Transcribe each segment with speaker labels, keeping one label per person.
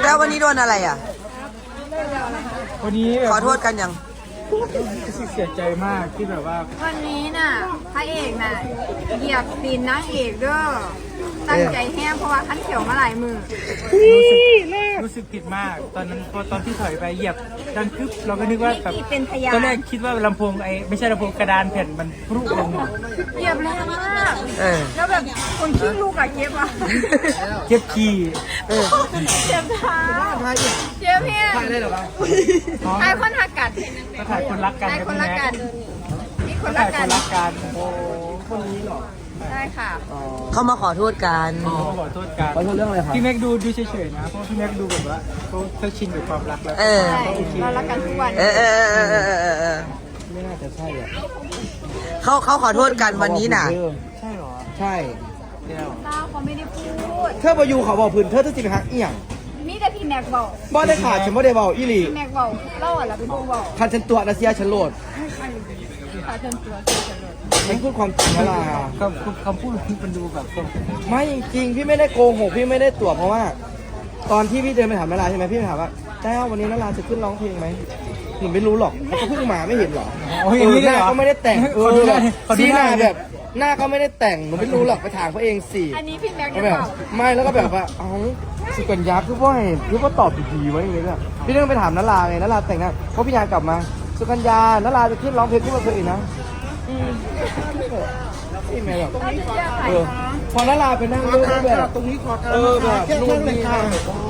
Speaker 1: แล้ววันนี้โดนอะไรอ่ะ
Speaker 2: วันนี้
Speaker 1: ขอโทษกันยัง
Speaker 2: รู้สึกเสียใจมากที่แบบว่า
Speaker 3: วันนี้น่ะพระเอกน่ะเหยียบตีนนางเอกเด้อตั้งใจแห้งเพราะว่าขั้นเขียวมาหลายมือ
Speaker 2: รู้สึกผิดมากตอนนั้นพอตอนที่ถอยไปเหยียบดังคึบเราก็นึกว่าแบบตอนแรกคิดว่าลำโพงไม่ใช่ลำโพงกระดานแผ่นมันพรุลง
Speaker 3: เหยียบแรงมากแล้วแบบคนขี้ลูกอะเจ็บอะ
Speaker 2: เจ็บขี้
Speaker 3: เจ็บเท้าเจ็บเพี้ยน
Speaker 2: ได้หรอวะ
Speaker 3: ไอ้คนหักกัด
Speaker 2: ก็ถ่ายคนรักกัน
Speaker 3: ไอ้คนรักกันนี่คน
Speaker 2: รั
Speaker 3: ก
Speaker 2: กันโอ้คนนี้หรอ
Speaker 3: ได้ค่ะ
Speaker 1: เขามาขอโทษกัน
Speaker 2: ขอโทษกัน
Speaker 4: ขอโทษเรื่องอะไรครับ
Speaker 2: พี่แม็กดูเฉยๆนะเพราะพี่แม็กดูแบบว่าเขาชินกับความรักแล้ว
Speaker 3: เรารักกันทุกวัน
Speaker 4: ไม่น่าจะใช่อ่ะ
Speaker 1: เขาขอโทษกันวันนี้น่ะ
Speaker 2: ใช่หรอ
Speaker 4: ใช่
Speaker 3: เขาไม่ได้พูด
Speaker 4: เธอประยูเขาบอกพื้นเธอจะจิบหักเอี่ยง
Speaker 3: มีแต่พี่แม็กบอก
Speaker 4: บ่ได้ขาดฉันบ่ได้บอกอีหลี
Speaker 3: พี่แม็กบอกเล่าอะไรเป็นพวกบอก
Speaker 4: คันฉันตัวนาเซียฉันโหลด
Speaker 3: ขาเชิญตัว
Speaker 4: มันพูดความจริงอะไร
Speaker 2: คำพูดมันดูแบบ
Speaker 4: ไม่จริงพี่ไม่ได้โกหกพี่ไม่ได้ตัวเพราะว่า ตอนที่พี่เดินไปถามนาราใช่ไหมพี่ถามว่าแต้ววันนี้นาราจะขึ้นร้องเพลงไหมหนูไม่รู้หรอกเขาเพิ่งมาไม่เห็นหรอหน้าก็ไม่ได้แต่งซีหน้าแบบหน้าก็ไม่ได้แต่งหนูไม่รู้หรอกไปถามเขาเองสิ
Speaker 3: อันนี้พี่แม็กซ์
Speaker 4: แบบไม่แล้วก็แบบว่าเอ้าสุกัญญาคือว่าตอบดีๆไว้อย่างเงี้ยพี่เรื่องไปถามนาราไงนาราแต่งหน้าเพราะพี่ยากลับมาสุกัญญานาราจะขึ้นร้องเพลงที่มาเคยนะพี่แม่แบบพอนาราไปนั่งด้วยแบบตรงนี้ขอแบบนู่นนี่นั่น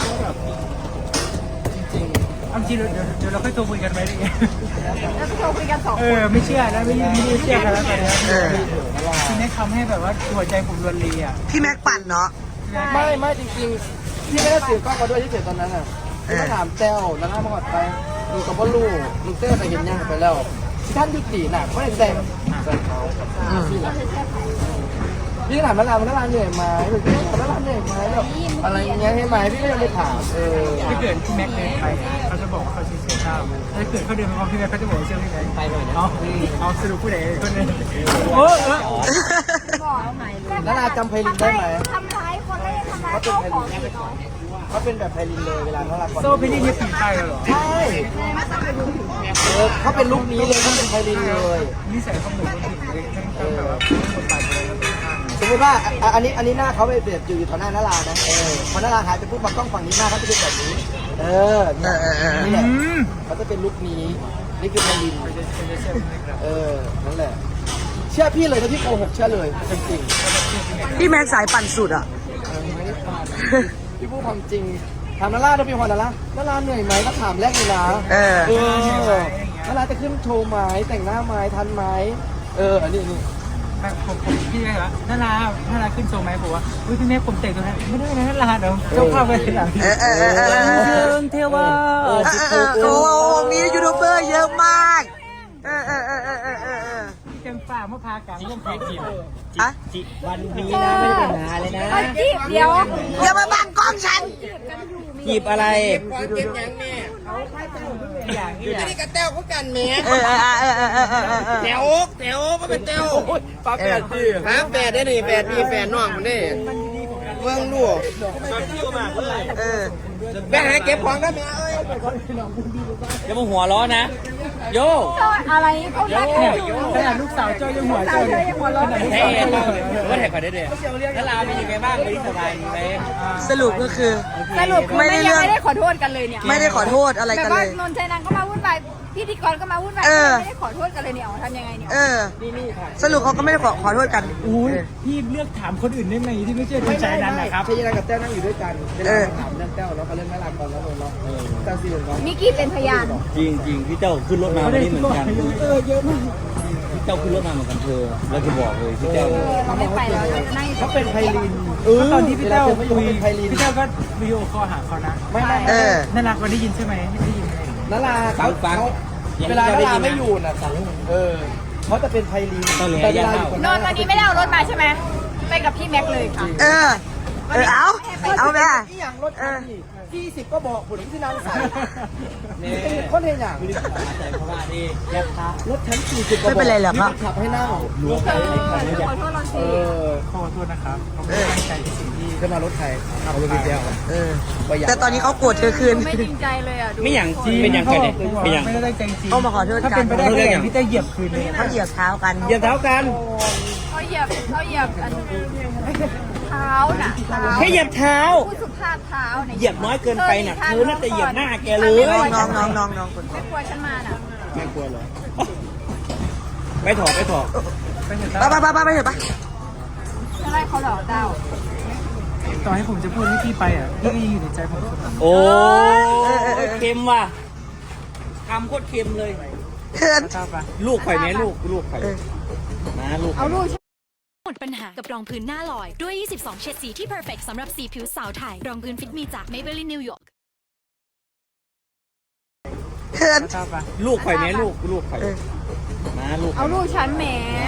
Speaker 2: จริงๆจริงเดี๋ยวเราค่อยโทรคุยกันไหมดิ
Speaker 3: แล้วโทรคุยกัน2 คน
Speaker 2: ไม่เชื่อแล้วไม่เชื่อกันแล้วตอนนี้ทีนี้ทำให้แบบว่าหัวใจผมรวนรีอ่ะ
Speaker 1: พี่แม็กปั่นเนาะ
Speaker 4: ไม่จริงๆพี่ไม่ได้ถือกล้องมาด้วยที่เสร็จตอนนั้นอ่ะพี่มาถามแต้วแล้วน้ามาก่อนไปดูกับพ่อลูกลุงเต้ไปเห็นยังไปแล้วท่านยุติหนักไม่ได้แต่งพี่ถามนาราเหนื่อยไหมนาราเหนื่อยไหมแบบอะไรเงี้ยให้ไหมพี่ก็ยังไม่ถาม
Speaker 2: ถ้าเกิดพี่แม็กเดินไปเขาจะบอกว่าเขาเชื่อข้าวถ้าเกิดเขาเดินไปพร้อมพี่แม็กเขาจะบอกว่าเชื่อพี่แม็กไปเลยนะเอาสรุปผู้ใดคนนึงโอ้
Speaker 4: นาราจำไพลินได้ไหม
Speaker 3: ทำร้ายคนแล้วยังทำร้ายเจ้าของอีกเนาะ
Speaker 4: เขาเป็นแบบไพลินเลยเวลานารา
Speaker 2: โซ่พี่นี่เนี่ยผีไปเหรอ
Speaker 4: ใช่เขาเป็นลูกนี้เลยเขาเป็นไพลินเลย
Speaker 2: นิสัยเขาเหมือนคนผิดเลยทั้งแบบว่าคนตายเลย
Speaker 4: สมมติว่าอันนี้หน้าเขาไปเบียดอยู่ต่อหน้านารานะพอนาราหายไปปุ๊บมากล้องฝั่งนี้หน้าเขาจะเป็นแบบนี้นี่แหละเขาจะเป็นลุคนี้นี่คือไพลินนั่นแหละเชื่อพี่เลยถ้าพี่โกหกเชื่อเลยจริง
Speaker 1: พี่แม็กสายปั่นสุดอ่ะ
Speaker 4: ไม่ได้ปั่นพี่พูดความจริงถามนาราถ้าพี่พอนาราเหนื่อยไหมก็ถามแรกเลยนะนาราจะขึ้นโชว์ไหมแต่งหน้าไหมทันไหมอันนี้
Speaker 2: ผมพี่แม่เหรอนาราขึ้นโชว์ไหมผมว่าพี่แม่ผมแต่งตัวนั้นไม่ได้นะนาราเดี๋ยวเจ้าภาพไปหลังเทวา
Speaker 1: โอ้มียูทูบเบอร์เยอะมาก
Speaker 2: จังฝ่ามะพร้าวกลางร่มเพลจีบ
Speaker 4: วันนี้นะไม่ได้ปัญหาเลยนะ
Speaker 3: จีบเดี๋ยว
Speaker 1: อย่ามาบังกล้องฉัน
Speaker 4: จีบอะไร
Speaker 5: ไม่ได้กระเต้วเขากันแม่แถวก็เป็นเต้ว
Speaker 4: ปลาแปดดิ
Speaker 5: แปดได้หนิแปดมีแฟนน้องมันได้เมืองลูกแม่ให้เก็บของได้ไหม
Speaker 4: อย่ามาหัวร้อนนะโย
Speaker 3: อะไรเขาเรียก
Speaker 2: ขนาดลูกสาวเจ้ายังหัวเจ้า
Speaker 4: ก็แท็กก่อนได้เลยแล้วเราเป็นยังไงบ้างไม่สบายไหม
Speaker 1: สรุปก็คือ
Speaker 3: ไม่ได้ขอโทษกันเลยเนี่ย
Speaker 1: ไม่ได้ขอโทษอะไรกันเลย
Speaker 3: นนท์ชัยนันก็มาวุ่นวายพิธีกรก็มาวุ่นวายไม่ได้ขอโทษกันเลยเนี่ยทำยังไงเนี่ย
Speaker 1: สรุปเขาก็ไม่ได้ขอโทษกัน
Speaker 2: พี่เลือกถามคนอื่นได้ไหมที่ไม่ใช่นนท์ชัยนันนะครับ
Speaker 4: ชัยนันกับแต้วนั่งอยู่ด้วยกันถามเรื่องแต้วแล้วก็เรื่องแม่ลาก่อนแล้วเนาะแต้วซีเรียสเนาะ
Speaker 3: มิกกี้เป็นพยาน
Speaker 4: จริงพี่เต้าขึ้นรถมาวันนี้เหมือนกัน
Speaker 2: เยอะมาก
Speaker 4: พี่เต้าขึ้นรถมาเหมือนกันเธอแล้วจะบอกเลยพี่เต้า
Speaker 3: เขาไม่ไปแล้ว
Speaker 4: เขาเป็นไพลิน
Speaker 2: ตอนที่พี่เต้าคุยพี่เต้าก็วิดีโอคอลหาเขานะ
Speaker 4: ไม่
Speaker 2: น่ารักวันได้ยินใช่ไหมได้ยิน
Speaker 4: นาราเขาเวลานาราไม่อยู่น่ะเขาจะเป็นไพลิน
Speaker 3: นอนวันนี้ไม่ได้เอารถมาใช่ไหมไปกับพี่แม็กเลยค่ะ
Speaker 1: เอาแม่
Speaker 4: ที่อย่างรถคันนี้20ก็บอกผมที่นางใส่เนี่ยคนเห็นอย่างใส่เพราะว่านี่แยบท้ารถชั้น40ก็บอก
Speaker 1: ไม่เป็นไรหรอกครับ
Speaker 4: ขับให้นั่ง
Speaker 3: ขอโทษเราสิ
Speaker 2: ขอโทษนะครับเขาไม่ได้ตั้งใจในสิ่งที่
Speaker 4: จะมารถใครเอารถพี่แก้ว
Speaker 1: แต่ตอนนี้เขาโกรธเธอคืน
Speaker 3: ไม่จริงใจเลยอ่ะดู
Speaker 5: ไม่อย่าง
Speaker 2: จริง
Speaker 5: เป็นอย่าง
Speaker 2: เขา
Speaker 5: ไร
Speaker 2: บ
Speaker 5: เนี่
Speaker 2: อย ก
Speaker 5: เป็นอย่าง
Speaker 2: ไม่ได้ตั้งใจจริง
Speaker 1: เขามาขอโทษกัน
Speaker 2: ถ้าเป็นไปได้ก็อย่างที่ได้เหยียบคืนเลย
Speaker 1: เขาเหยียบเท้ากัน
Speaker 5: เหยียบเท้ากัน
Speaker 3: เขาเหยียบอันเท้าน่ะเท้า
Speaker 5: แค่เหยียบเท้า
Speaker 3: ผู้สุภาพเท้าเนี่ย
Speaker 5: เหยียบน้อยเกินไปน่ะเธอน่าจะเหยียบหน้าแกเลย
Speaker 1: น้องคน
Speaker 3: ไม่กลัวฉันมาน่ะ
Speaker 5: ไม่กลัวเหรอไปถอด
Speaker 2: ไปเถอะ
Speaker 1: ไปเถอะปะ
Speaker 3: อะไรเขาหลอกเจ้า
Speaker 2: ต่อให้ผมจะพูดให้พี่ไปอ่ะพี่ก็ยังอยู่ในใจผมเสมอ
Speaker 5: โอ้เค็มว่ะคำโคตรเค็มเลย
Speaker 1: เขิน
Speaker 2: ทราบปะ
Speaker 5: ลูกไข่ไหมลูกไข่นะลูก
Speaker 3: เอาลูก
Speaker 6: หมดปัญหากับรองพื้นหน้าลอย ด้วย 22 เฉดสีที่ perfect สำหรับสีผิวสาวไทย รองพื้นฟิตมีจาก Maybelline New York
Speaker 1: เขิน
Speaker 2: ทราบปะ
Speaker 5: ลูกไข่ไหมลูกไข่นะลูก
Speaker 3: เอาลูกฉันแหม